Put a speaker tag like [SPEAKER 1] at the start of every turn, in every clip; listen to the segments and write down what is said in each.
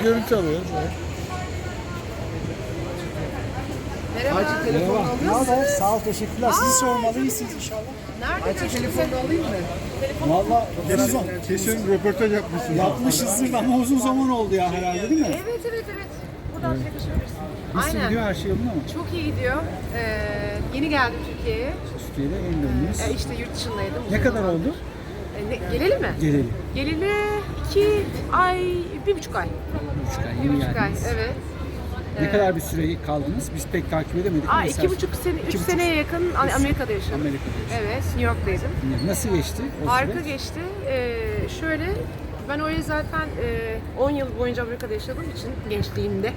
[SPEAKER 1] görüntü alıyoruz.
[SPEAKER 2] Merhaba.
[SPEAKER 3] Merhaba. Ne haber? Sağ ol, teşekkürler. Sizi sormalı, iyisiniz inşallah.
[SPEAKER 2] Nerede telefonunu alayım mı?
[SPEAKER 3] Valla
[SPEAKER 1] Kesin röportaj yapmışsınız.
[SPEAKER 3] yapmışızdır ama uzun zaman oldu ya herhalde, değil mi?
[SPEAKER 2] Evet. Buradan çekişebilirsin.
[SPEAKER 3] Nasıl
[SPEAKER 2] Aynen.
[SPEAKER 3] gidiyor, her şey yolunda mı?
[SPEAKER 2] Çok iyi gidiyor. Yeni geldim Türkiye'ye.
[SPEAKER 3] Türkiye'de en döndünüz.
[SPEAKER 2] İşte yurt dışındaydım.
[SPEAKER 3] Ne kadar oldu?
[SPEAKER 2] Gelelim mi?
[SPEAKER 3] Gelelim.
[SPEAKER 2] Geleli 2 ay, 1,5 ay.
[SPEAKER 3] 3 ay,
[SPEAKER 2] 1,5
[SPEAKER 3] yeni
[SPEAKER 2] ay,
[SPEAKER 3] geldiniz.
[SPEAKER 2] evet.
[SPEAKER 3] Ne kadar bir süre kaldınız? Biz pek takip edemedik.
[SPEAKER 2] Aa,
[SPEAKER 3] ama
[SPEAKER 2] 2,5 sene, 3 seneye yakın Amerika'da yaşadım.
[SPEAKER 3] Amerika'da yaşadınız.
[SPEAKER 2] Evet, New York'taydım.
[SPEAKER 3] Nasıl geçti o
[SPEAKER 2] Harika
[SPEAKER 3] süreç?
[SPEAKER 2] geçti. Şöyle, ben oraya zaten 10 yıl boyunca Amerika'da yaşadığım için gençliğimde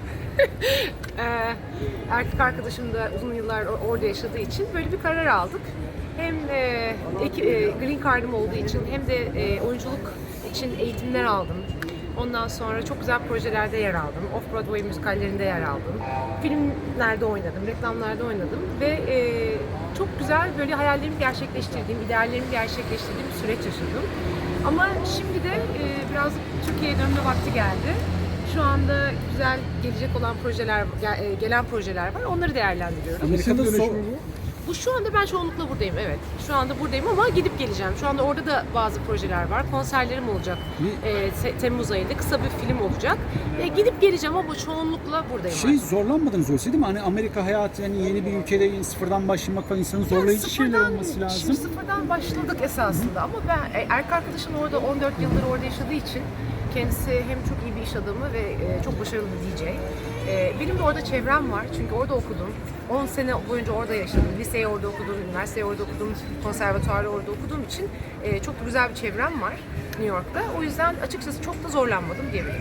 [SPEAKER 2] erkek arkadaşım da uzun yıllar orada yaşadığı için böyle bir karar aldık. Hem green card'ım olduğu için hem de oyunculuk için eğitimler aldım. Ondan sonra çok güzel projelerde yer aldım. Off-Broadway müzikallerinde yer aldım. Filmlerde oynadım, reklamlarda oynadım ve çok güzel böyle hayallerimi gerçekleştirdiğim, ideallerimi gerçekleştirdiğim bir süreç yaşadım. Ama şimdi de biraz Türkiye'ye dönme vakti geldi. Şu anda güzel gelecek olan projeler, gelen projeler var. Onları değerlendiriyorum.
[SPEAKER 3] Amerika'da
[SPEAKER 2] Bu şu anda ben çoğunlukla buradayım, evet. Şu anda buradayım ama gidip geleceğim. Şu anda orada da bazı projeler var. Konserlerim olacak. Temmuz ayında kısa bir film olacak. Gidip geleceğim ama çoğunlukla buradayım.
[SPEAKER 3] Zorlanmadınız oysa, değil mi? Hani Amerika hayatı, yani yeni bir ülkede sıfırdan başlamak falan, insanın zorlayıcı şeyler olması lazım.
[SPEAKER 2] Şimdi sıfırdan başladık esasında ama ben erkek arkadaşım orada 14 yıldır orada yaşadığı için kendisi hem çok iyi bir iş adamı ve çok başarılı bir DJ. Benim de orada çevrem var çünkü orada okudum. 10 sene boyunca orada yaşadım. Liseyi orada okudum, üniversiteyi orada okudum, konservatuarı orada okuduğum için çok güzel bir çevrem var New York'ta. O yüzden açıkçası çok da zorlanmadım diyebilirim.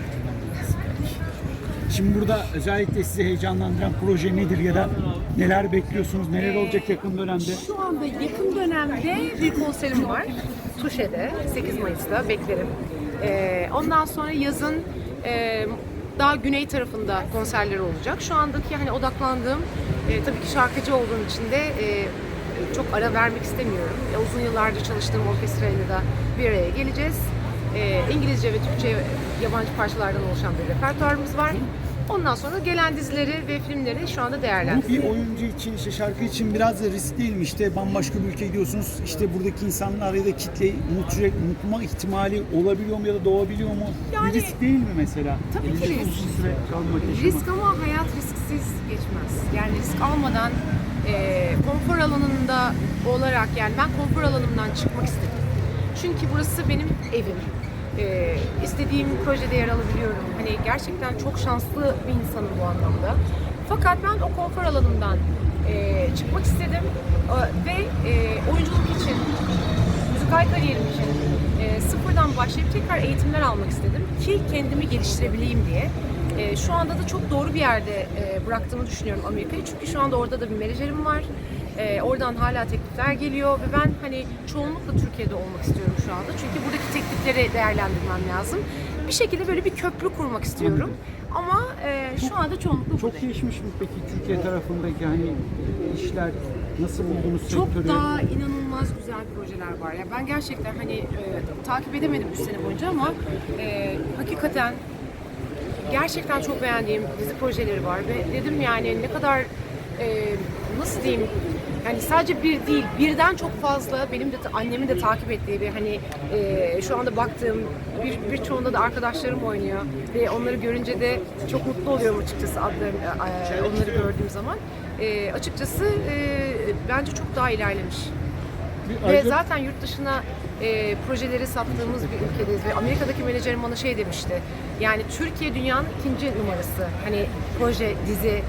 [SPEAKER 3] Şimdi burada özellikle sizi heyecanlandıran proje nedir ya da neler bekliyorsunuz, neler olacak yakın dönemde?
[SPEAKER 2] Şu anda yakın dönemde bir konserim var. Tuşe'de 8 Mayıs'ta beklerim. Ondan sonra yazın daha güney tarafında konserleri olacak. Şu andaki hani odaklandığım tabii ki şarkıcı olduğum için de çok ara vermek istemiyorum. Uzun yıllardır çalıştığım orkestrayla da bir araya geleceğiz. İngilizce ve Türkçe yabancı parçalardan oluşan bir repertuarımız var. Ondan sonra gelen dizileri ve filmleri şu anda
[SPEAKER 3] Bu
[SPEAKER 2] değerlendiriyoruz.
[SPEAKER 3] bir oyuncu için, işte şarkı için biraz da risk değil mi? İşte bambaşka bir ülkeye gidiyorsunuz, işte buradaki insanlar ya da kitleyi unutma ihtimali olabiliyor mu ya da doğabiliyor mu?
[SPEAKER 2] Yani,
[SPEAKER 3] bir risk değil mi mesela?
[SPEAKER 2] tabii ki
[SPEAKER 3] Elinizde
[SPEAKER 2] risk.
[SPEAKER 3] uzun süre kalmak, yaşamak.
[SPEAKER 2] Risk ama hayat risksiz geçmez. Yani risk almadan konfor alanında olarak, yani ben konfor alanımdan çıkmak istedim. Çünkü burası benim evim. İstediğim projede yer alabiliyorum. Hani gerçekten çok şanslı bir insanım bu anlamda. Fakat ben o konfor alanımdan çıkmak istedim ve oyunculuk için, müzikal kariyerim için sıfırdan başlayıp tekrar eğitimler almak istedim ki kendimi geliştirebileyim diye. Şu anda da çok doğru bir yerde bıraktığımı düşünüyorum Amerika'yı. Çünkü şu anda orada da bir menajerim var. Oradan hala teklifler geliyor ve ben hani çoğunlukla Türkiye'de olmak istiyorum şu anda. Çünkü buradaki teklifleri değerlendirmem lazım. Bir şekilde böyle bir köprü kurmak istiyorum. Ama şu anda çoğunlukla
[SPEAKER 3] Çok
[SPEAKER 2] buradayım.
[SPEAKER 3] değişmiş mi peki Türkiye tarafındaki hani işler, nasıl buldunuz
[SPEAKER 2] Çok
[SPEAKER 3] sektörü?
[SPEAKER 2] daha inanılmaz güzel projeler var. Ya ben gerçekten hani takip edemedim 3 sene boyunca ama hakikaten gerçekten çok beğendiğim dizi projeleri var ve dedim yani ne kadar nasıl diyeyim, yani sadece bir değil, birden çok fazla benim de annemin de takip ettiği ve hani şu anda baktığım birçoğunda da arkadaşlarım oynuyor ve onları görünce de çok mutlu oluyorum açıkçası onları gördüğüm zaman. Açıkçası bence çok daha ilerlemiş. Ve zaten yurt dışına projeleri sattığımız bir ülkedeyiz ve Amerika'daki menajerim bana şey demişti. Yani Türkiye dünyanın ikinci numarası. Hani proje, dizi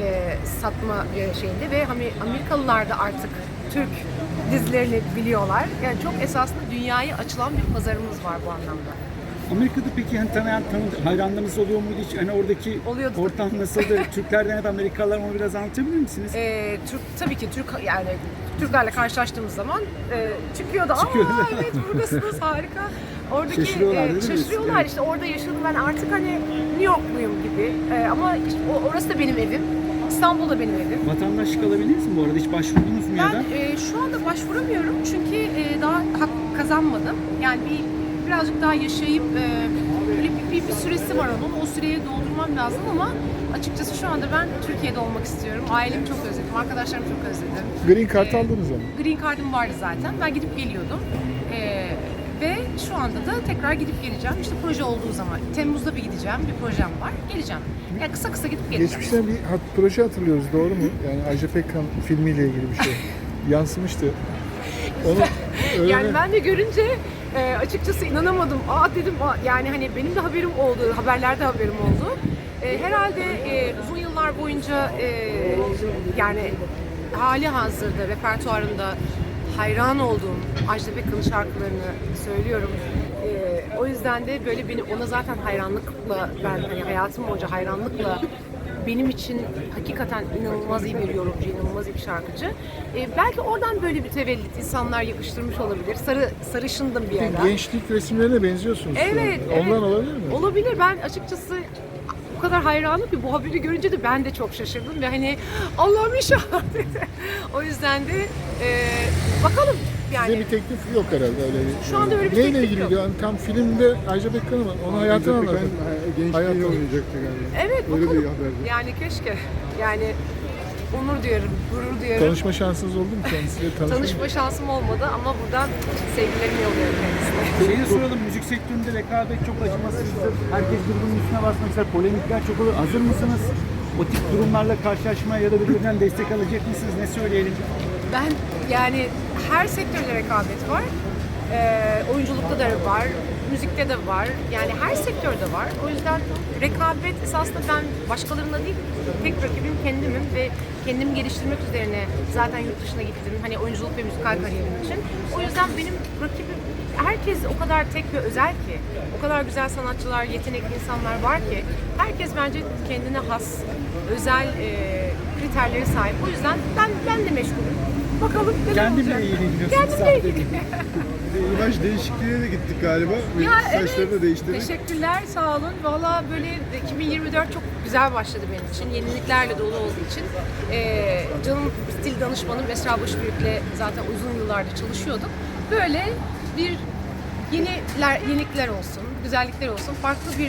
[SPEAKER 2] satma şeyinde ve hani Amerikalılar da artık Türk dizilerini biliyorlar. Yani çok esasında dünyaya açılan bir pazarımız var bu anlamda.
[SPEAKER 3] Amerika'da peki hani hayranlarınız oluyor muydu hiç? Hani oradaki
[SPEAKER 2] Oluyordu.
[SPEAKER 3] ortam nasıldı? Türklerden hep Amerikalılar, onu biraz anlatabilir misiniz?
[SPEAKER 2] Tabii ki yani Türklerle karşılaştığımız zaman çıkıyordu.
[SPEAKER 3] Çıkıyor.
[SPEAKER 2] Aa evet buradasınız, harika. Oradaki
[SPEAKER 3] Şaşırıyorlar, değil mi?
[SPEAKER 2] şaşırıyorlar
[SPEAKER 3] Evet.
[SPEAKER 2] işte, orada yaşadım ben artık hani New Yorkluyum gibi. Ama işte orası da benim evim. İstanbul da benim evim.
[SPEAKER 3] Vatandaşlık alabildiniz mi bu arada? Hiç başvurdunuz mu ya da?
[SPEAKER 2] Ben şu anda başvuramıyorum çünkü daha hak kazanmadım. Yani birazcık daha yaşayıp böyle bir süresi var onun. O süreyi doldurmam lazım ama açıkçası şu anda ben Türkiye'de olmak istiyorum. Ailemi çok özledim, arkadaşlarımı çok özledim.
[SPEAKER 1] Green Card aldınız ama.
[SPEAKER 2] Green Card'ım vardı zaten. Ben gidip geliyordum. Ve şu anda da tekrar gidip geleceğim. İşte proje olduğu zaman. Temmuz'da bir gideceğim. Bir projem var. Geleceğim. Yani kısa kısa gidip geleceğim.
[SPEAKER 1] Geçmişten bir proje hatırlıyoruz, doğru mu? Yani Ajda Pekkan filmiyle ilgili bir şey. Yansımıştı. Onu
[SPEAKER 2] Yani ben de görünce açıkçası inanamadım. Dedim yani hani benim de haberim oldu, haberlerde haberim oldu. Herhalde uzun yıllar boyunca yani hali hazırda repertuarında hayran olduğum Ajda Pekkan'ın şarkılarını söylüyorum. O yüzden de böyle beni ona zaten hayranlıkla, ben hani hayatım boyunca hayranlıkla, benim için hakikaten inanılmaz iyi bir yorumcu, inanılmaz iyi bir şarkıcı. Belki oradan böyle bir tevellit insanlar yakıştırmış olabilir. Sarışındım bir ara.
[SPEAKER 1] gençlik resimlerine benziyorsunuz.
[SPEAKER 2] Evet,
[SPEAKER 1] Ondan
[SPEAKER 2] evet.
[SPEAKER 1] olabilir mi?
[SPEAKER 2] Olabilir. Ben açıkçası o kadar hayranım ki bu haberi görünce de ben de çok şaşırdım ve hani Allah'ım inşallah dedi. O yüzden de bakalım yani.
[SPEAKER 1] Size bir teklif yok herhalde öyle.
[SPEAKER 2] Şu anda öyle bir
[SPEAKER 1] Neyle
[SPEAKER 2] teklif
[SPEAKER 1] ilgili?
[SPEAKER 2] yok.
[SPEAKER 1] Yani tam filmde Ajda Pekkan ama onun hayatını anlatın.
[SPEAKER 4] Gençliğini oynayacaktı galiba.
[SPEAKER 2] Evet,
[SPEAKER 4] Öyle
[SPEAKER 2] bakalım.
[SPEAKER 4] bir haberdi.
[SPEAKER 2] Yani keşke. Yani onur duyarım, gurur duyarım.
[SPEAKER 1] Tanışma şansınız oldu mu kendisiyle?
[SPEAKER 2] Tanışma şansım olmadı ama buradan sevgilerimi yolluyorum kendisine.
[SPEAKER 3] Şeyi de soralım, müzik sektöründe rekabet çok acımasızdır. Herkes birbirinin üstüne basmak ister, polemikler çok olur. Hazır mısınız? O tip durumlarla karşılaşmaya ya da birbirinden destek alacak mısınız? Ne söyleyelim?
[SPEAKER 2] Ben yani her sektörde rekabet var. Oyunculukta da var, müzikte de var. Yani her sektörde var. O yüzden rekabet esasında ben başkalarına değil, tek rakibim kendimim ve kendimi geliştirmek üzerine zaten yurt dışına gittim. Hani oyunculuk ve müzikal kariyerim için. O yüzden benim rakibim herkes o kadar tek ve özel ki. O kadar güzel sanatçılar, yetenekli insanlar var ki. Herkes bence kendine has, özel kriterleri sahip. O yüzden ben de meşgulüm. Bakalım neler
[SPEAKER 3] Kendimle
[SPEAKER 2] olacak.
[SPEAKER 3] ilgileniyorsun.
[SPEAKER 2] Kendimle ilgili.
[SPEAKER 4] İmaj değişikliğine de gittik galiba. Ve saçları da değiştirdik.
[SPEAKER 2] Teşekkürler, sağ olun. Valla böyle 2024 çok güzel başladı benim için. Yeniliklerle dolu olduğu için. Canım stil danışmanım Esra Başbüyük'le zaten uzun yıllardır çalışıyorduk. Böyle bir yenilikler olsun, güzellikler olsun. Farklı bir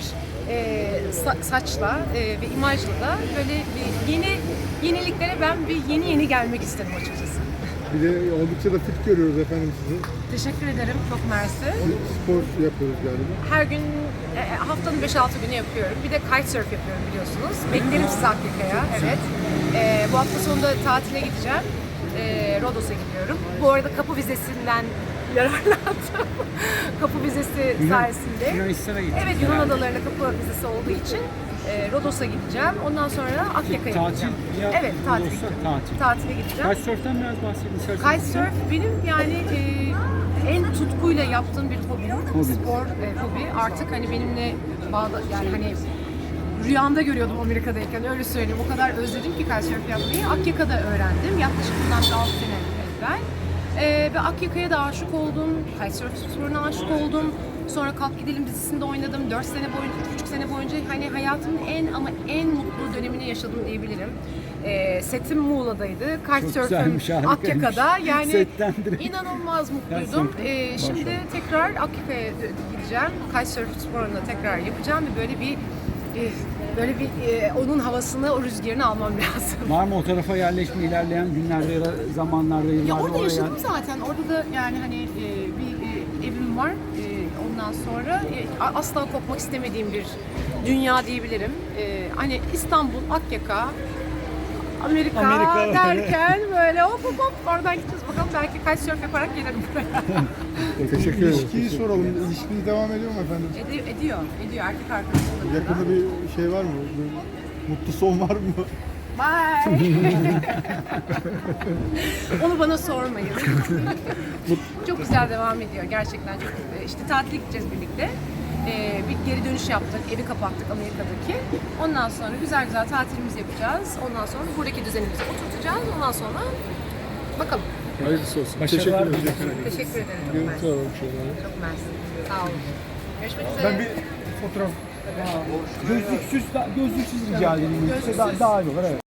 [SPEAKER 2] saçla ve imajla da böyle bir yeniliklere ben bir yeni gelmek istedim açıkçası.
[SPEAKER 4] Bir de oldukça da fit görüyoruz efendim sizi.
[SPEAKER 2] Teşekkür ederim, çok mersi.
[SPEAKER 4] Spor yapıyoruz galiba.
[SPEAKER 2] Her gün haftanın 5-6 günü yapıyorum. Bir de kitesurf yapıyorum biliyorsunuz. Beklerim sizi Akyaka'ya. Evet. Bu hafta sonunda tatile gideceğim. Rodos'a gidiyorum. Bu arada kapı vizesinden yararlandım. Kapı vizesi sayesinde.
[SPEAKER 3] Yunanistan'a gittim.
[SPEAKER 2] Evet, Yunan adalarına kapı vizesi olduğu için Rodos'a gideceğim. Ondan sonra Akyaka'ya
[SPEAKER 3] Tatil
[SPEAKER 2] gideceğim.
[SPEAKER 3] ya,
[SPEAKER 2] Evet, tatil.
[SPEAKER 3] Rodos'ta tatil.
[SPEAKER 2] Tatile gideceğim.
[SPEAKER 3] Kitesurf'tan biraz bahsedin isterseniz.
[SPEAKER 2] Kitesurf benim yani en tutkuyla yaptığım bir hobi. Spor hobi. Artık hani benimle bağda yani hani rüyamda görüyordum Amerika'dayken, öyle söyleyeyim. O kadar özledim ki kitesurf yapmayı. Akyaka'da öğrendim. Yaklaşık bundan 6 sene evvel. Ve Akyaka'ya da aşık oldum. Kitesurf sporuna aşık oldum. Sonra Kalk Gidelim dizisinde oynadım. 4 sene boyunca, 3,5 sene boyunca hani hayatımın en mutlu dönemini yaşadım diyebilirim. Setim Muğla'daydı. Kitesurf'üm Akyaka'da. Yani
[SPEAKER 3] Setten direkt.
[SPEAKER 2] inanılmaz mutluydum. Şimdi tekrar Akyaka'ya gideceğim. Kitesurf sporunu tekrar yapacağım ve böyle bir onun havasını, o rüzgarını almam lazım.
[SPEAKER 3] Var mı o tarafa yerleşme ilerleyen günlerde ya da zamanlarda, yıllarda?
[SPEAKER 2] Ya orada
[SPEAKER 3] oraya-
[SPEAKER 2] yaşadım zaten. Orada da yani hani bir evim var. Ondan sonra asla kopmak istemediğim bir dünya diyebilirim. Hani İstanbul, Akyaka, Amerika derken böyle hop oradan gideceğiz. Bakalım belki kitesurf yaparak gelirim buraya.
[SPEAKER 1] Teşekkür ederim.
[SPEAKER 4] İlişkiyi soralım. İlişkiniz devam ediyor mu efendim?
[SPEAKER 2] Ediyor erkek arkadaşımla.
[SPEAKER 4] Yakında bir şey var mı? Bir mutlu son var mı?
[SPEAKER 2] Bye. Onu bana sormayın. Çok güzel devam ediyor gerçekten. Çok işte tatile gideceğiz birlikte. Bir geri dönüş yaptık, evi kapattık Amerika'daki. Ondan sonra güzel tatilimizi yapacağız. Ondan sonra buradaki düzenimizi oturtacağız. Ondan sonra bakalım.
[SPEAKER 1] Hayırlısı olsun.
[SPEAKER 3] Başarılar
[SPEAKER 1] Teşekkür ederim.
[SPEAKER 3] diliyorum.
[SPEAKER 2] Teşekkür ederim. Çok
[SPEAKER 1] Görüntü
[SPEAKER 2] mersi.
[SPEAKER 1] alalım şöyle.
[SPEAKER 2] Çok mersi. Sağ olun. Görüşmek üzere.
[SPEAKER 4] Ben bir fotoğraf
[SPEAKER 3] Gözlüksüz rica edeyim.
[SPEAKER 2] Gözlüksüz.
[SPEAKER 3] Daha iyi olur. Evet.